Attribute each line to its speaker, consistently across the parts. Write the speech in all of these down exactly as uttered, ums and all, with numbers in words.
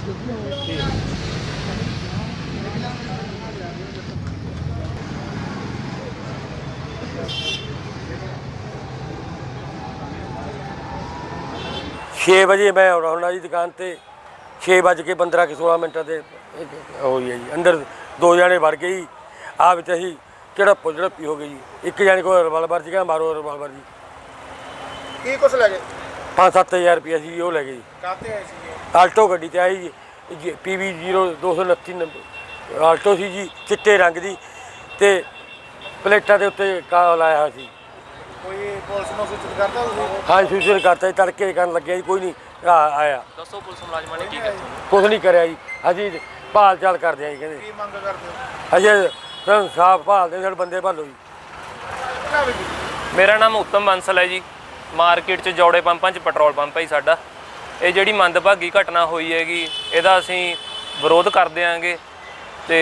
Speaker 1: छे बजे मैं होना जी दुकान पर, छे बज के पंद्रह के सोलह मिनट से हो गई है जी। अंदर दो जने वड़ गए जी, आ बच्चा ही झड़प झड़पी हो गई जी। एक जाने को रिवाल्वर जी कहा मारो रिवाल्वर जी।
Speaker 2: की कुछ लगे?
Speaker 1: पाँच सत्त हज़ार रुपया सी वो लै गए जी।
Speaker 2: काते आए सी?
Speaker 1: आल्टो गड्डी ते आई जी, पी वी जीरो दो सौ उनती नंबर आल्टो सी जी, चिट्टे रंग की ते प्लेटा के उत्ते का लाया हुआ सी।
Speaker 2: कोई पुलिस नूं सूचित करता तुसीं?
Speaker 1: हाँ सूचना करता जी, तड़के करन लगे जी, कोई नहीं आया।
Speaker 3: दसो पुलिस मुलाजमान ने की किया?
Speaker 1: कुछ नहीं कराया जी, अजी भाल चाल करते हैं जी। कहते
Speaker 2: की मंग करदे हो?
Speaker 1: अजे इंसाफ भालते साडे बंदे भालो जी।
Speaker 2: ना भी
Speaker 3: मेरा नाम उत्तम बंसल है जी। मार्केट च जौड़े पंपां च पेट्रोल पंप है जी साडा। ਇਹ ਜਿਹੜੀ ਮੰਦਭਾਗੀ ਘਟਨਾ ਹੋਈ ਹੈਗੀ ਇਹਦਾ ਅਸੀਂ ਵਿਰੋਧ ਕਰਦੇ ਆਂਗੇ ਤੇ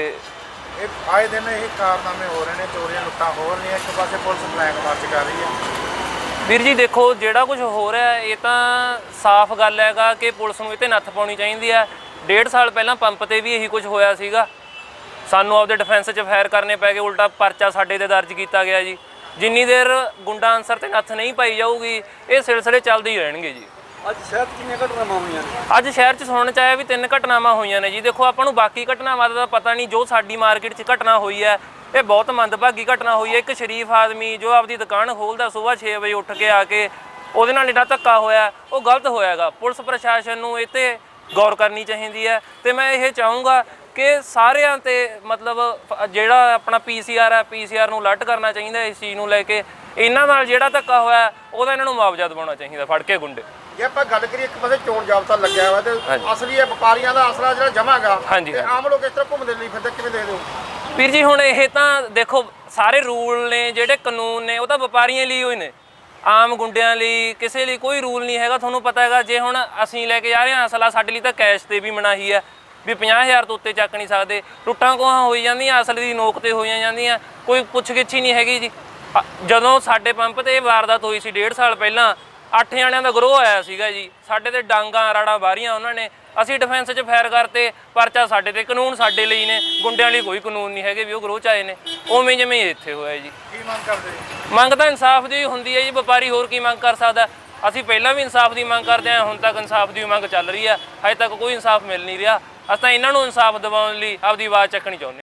Speaker 2: ਇਹ ਆਏ ਦਿਨ ਇਹ ਕਾਰਨਾਮੇ ਹੋ ਰਹੇ ਨੇ, ਚੋਰੀਆਂ ਲੁੱਟਾਂ ਹੋ ਰਹੀਆਂ, ਇੱਕ ਪਾਸੇ ਪੁਲਿਸ ਬਲੈਕ ਮਾਰਚ ਕਰ ਰਹੀ ਹੈ।
Speaker 3: ਵੀਰ ਜੀ ਦੇਖੋ ਜਿਹੜਾ ਕੁਝ ਹੋ ਰਿਹਾ ਇਹ ਤਾਂ ਸਾਫ਼ ਗੱਲ ਹੈਗਾ ਕਿ ਪੁਲਿਸ ਨੂੰ ਇਹ 'ਤੇ ਨੱਥ ਪਾਉਣੀ ਚਾਹੀਦੀ ਹੈ। ਡੇਢ ਸਾਲ ਪਹਿਲਾਂ ਪੰਪ 'ਤੇ ਵੀ ਇਹੀ ਕੁਝ ਹੋਇਆ ਸੀਗਾ, ਸਾਨੂੰ ਆਪਦੇ ਡਿਫੈਂਸ 'ਚ ਫਾਇਰ ਕਰਨੇ ਪੈ ਗਏ, ਉਲਟਾ ਪਰਚਾ ਸਾਡੇ 'ਤੇ ਦਰਜ ਕੀਤਾ ਗਿਆ ਜੀ। ਜਿੰਨੀ ਦੇਰ ਗੁੰਡਾ ਅਨਸਰ 'ਤੇ ਨੱਥ ਨਹੀਂ ਪਾਈ ਜਾਊਗੀ ਇਹ ਸਿਲਸਿਲੇ ਚੱਲਦੇ ਹੀ ਰਹਿਣਗੇ ਜੀ।
Speaker 4: ਅੱਜ ਸ਼ਹਿਰ 'ਚ ਕਿੰਨੀਆਂ ਘਟਨਾਵਾਂ ਹੋਈਆਂ ਨੇ?
Speaker 3: ਅੱਜ ਸ਼ਹਿਰ 'ਚ ਸੁਣਨ 'ਚ ਆਇਆ ਵੀ ਤਿੰਨ ਘਟਨਾਵਾਂ ਹੋਈਆਂ ਨੇ ਜੀ। ਦੇਖੋ ਆਪਾਂ ਨੂੰ ਬਾਕੀ ਘਟਨਾਵਾਂ ਦਾ ਪਤਾ ਨਹੀਂ, ਜੋ ਸਾਡੀ ਮਾਰਕੀਟ 'ਚ ਘਟਨਾ ਹੋਈ ਹੈ ਇਹ ਬਹੁਤ ਮੰਦਭਾਗੀ ਘਟਨਾ ਹੋਈ ਹੈ। ਇੱਕ ਸ਼ਰੀਫ ਆਦਮੀ ਜੋ ਆਪਦੀ ਦੁਕਾਨ ਖੋਲ੍ਹਦਾ ਸੁਬਾਹ ਛੇ ਵਜੇ ਉੱਠ ਕੇ ਆ ਕੇ ਉਹਦੇ ਨਾਲ ਜਿਹੜਾ ਧੱਕਾ ਹੋਇਆ ਉਹ ਗਲਤ ਹੋਇਆਗਾ। ਪੁਲਿਸ ਪ੍ਰਸ਼ਾਸਨ ਨੂੰ ਇਹ 'ਤੇ ਗੌਰ ਕਰਨੀ ਚਾਹੀਦੀ ਹੈ ਤੇ ਮੈਂ ਇਹ ਚਾਹੂੰਗਾ ਕਿ ਸਾਰਿਆਂ 'ਤੇ ਮਤਲਬ ਜਿਹੜਾ ਆਪਣਾ ਪੀ ਸੀ ਆਰ ਹੈ ਪੀ ਸੀ ਆਰ ਨੂੰ ਅਲਰਟ ਕਰਨਾ ਚਾਹੀਦਾ ਇਸ ਚੀਜ਼ ਨੂੰ ਲੈ ਕੇ। ਇਹਨਾਂ ਨਾਲ ਜਿਹੜਾ ਧੱਕਾ ਹੋਇਆ ਉਹਦਾ ਇਹਨਾਂ ਨੂੰ ਮੁਆਵਜ਼ਾ ਦਿਵਾਉਣਾ ਚਾਹੀਦਾ ਫੜ ਕੇ ਗੁੰਡੇ।
Speaker 2: ਜੇ ਆਪਾਂ ਗੱਲ ਕਰੀਏ ਇੱਕ ਪਾਸੇ ਚੋਣ ਜਾਬਤਾ ਲੱਗਿਆ ਹੋਇਆ ਤੇ ਅਸਲੀ ਇਹ ਵਪਾਰੀਆਂ ਦਾ ਆਸਰਾ ਜਿਹੜਾ ਜਮਾਗਾ ਤੇ ਆਮ ਲੋਕ ਇਸ ਤਰ੍ਹਾਂ ਘੁੰਮਦੇ ਲਈ ਫਿਰਦੇ, ਕਿਵੇਂ ਦੇਖਦੇ ਹੋ
Speaker 3: ਵੀਰ ਜੀ? ਹੁਣ ਇਹ ਤਾਂ ਦੇਖੋ ਸਾਰੇ ਰੂਲ ਨੇ ਜਿਹੜੇ ਕਾਨੂੰਨ ਨੇ ਉਹ ਤਾਂ ਵਪਾਰੀਆਂ ਲਈ ਹੋਏ ਨੇ, ਆਮ ਗੁੰਡਿਆਂ ਲਈ ਕਿਸੇ ਲਈ ਕੋਈ ਰੂਲ ਨਹੀਂ ਹੈਗਾ। ਤੁਹਾਨੂੰ ਪਤਾ ਹੈਗਾ ਜੇ ਹੁਣ ਅਸੀਂ ਲੈ ਕੇ ਜਾ ਰਹੇ ਹਾਂ ਅਸਲਾ, ਸਾਡੇ ਲਈ ਤਾਂ ਕੈਸ਼ 'ਤੇ ਵੀ ਮਨਾਹੀ ਹੈ ਵੀ ਪੰਜਾਹ ਹਜ਼ਾਰ ਤੋਂ ਉੱਤੇ ਚੱਕ ਨਹੀਂ ਸਕਦੇ। ਟੁੱਟਾਂ ਕੋਹਾਂ ਹੋਈ ਜਾਂਦੀਆਂ, ਅਸਲ ਦੀ ਨੋਕ 'ਤੇ ਹੋਈਆਂ ਜਾਂਦੀਆਂ, ਕੋਈ ਪੁੱਛ ਗਿੱਛ ਹੀ ਨਹੀਂ ਹੈਗੀ ਜੀ। ਜਦੋਂ ਸਾਡੇ ਪੰਪ 'ਤੇ ਇਹ ਵਾਰਦਾਤ ਹੋਈ ਸੀ ਡੇਢ ਸਾਲ ਪਹਿਲਾਂ, ਅੱਠ ਜਣਿਆਂ ਦਾ ਗਰੋਹ ਆਇਆ ਸੀਗਾ ਜੀ। ਸਾਡੇ 'ਤੇ ਡਾਂਗਾਂ ਰਾੜਾਂ ਵਾਰੀਆਂ ਉਹਨਾਂ ਨੇ, ਅਸੀਂ ਡਿਫੈਂਸ 'ਚ ਫਾਇਰ ਕਰਤੇ, ਪਰਚਾ ਸਾਡੇ 'ਤੇ। ਕਾਨੂੰਨ ਸਾਡੇ ਲਈ ਨੇ, ਗੁੰਡਿਆਂ ਲਈ ਕੋਈ ਕਾਨੂੰਨ ਨਹੀਂ ਹੈਗੇ ਵੀ ਉਹ ਗਰੋਹ 'ਚ ਆਏ ਨੇ। ਉਵੇਂ ਜਿਵੇਂ ਇੱਥੇ ਹੋਇਆ ਜੀ।
Speaker 2: ਕੀ ਮੰਗ ਕਰਦੇ?
Speaker 3: ਮੰਗ ਤਾਂ ਇਨਸਾਫ ਦੀ ਹੁੰਦੀ ਹੈ ਜੀ, ਵਪਾਰੀ ਹੋਰ ਕੀ ਮੰਗ ਕਰ ਸਕਦਾ। ਅਸੀਂ ਪਹਿਲਾਂ ਵੀ ਇਨਸਾਫ ਦੀ ਮੰਗ ਕਰਦੇ ਹਾਂ, ਹੁਣ ਤੱਕ ਇਨਸਾਫ ਦੀ ਮੰਗ ਚੱਲ ਰਹੀ ਹੈ, ਹਜੇ ਤੱਕ ਕੋਈ ਇਨਸਾਫ ਮਿਲ ਨਹੀਂ ਰਿਹਾ। ਅਸੀਂ ਤਾਂ ਇਹਨਾਂ ਨੂੰ ਇਨਸਾਫ ਦਿਵਾਉਣ ਲਈ ਆਪਦੀ ਆਵਾਜ਼ ਚੱਕਣੀ ਚਾਹੁੰਦੇ।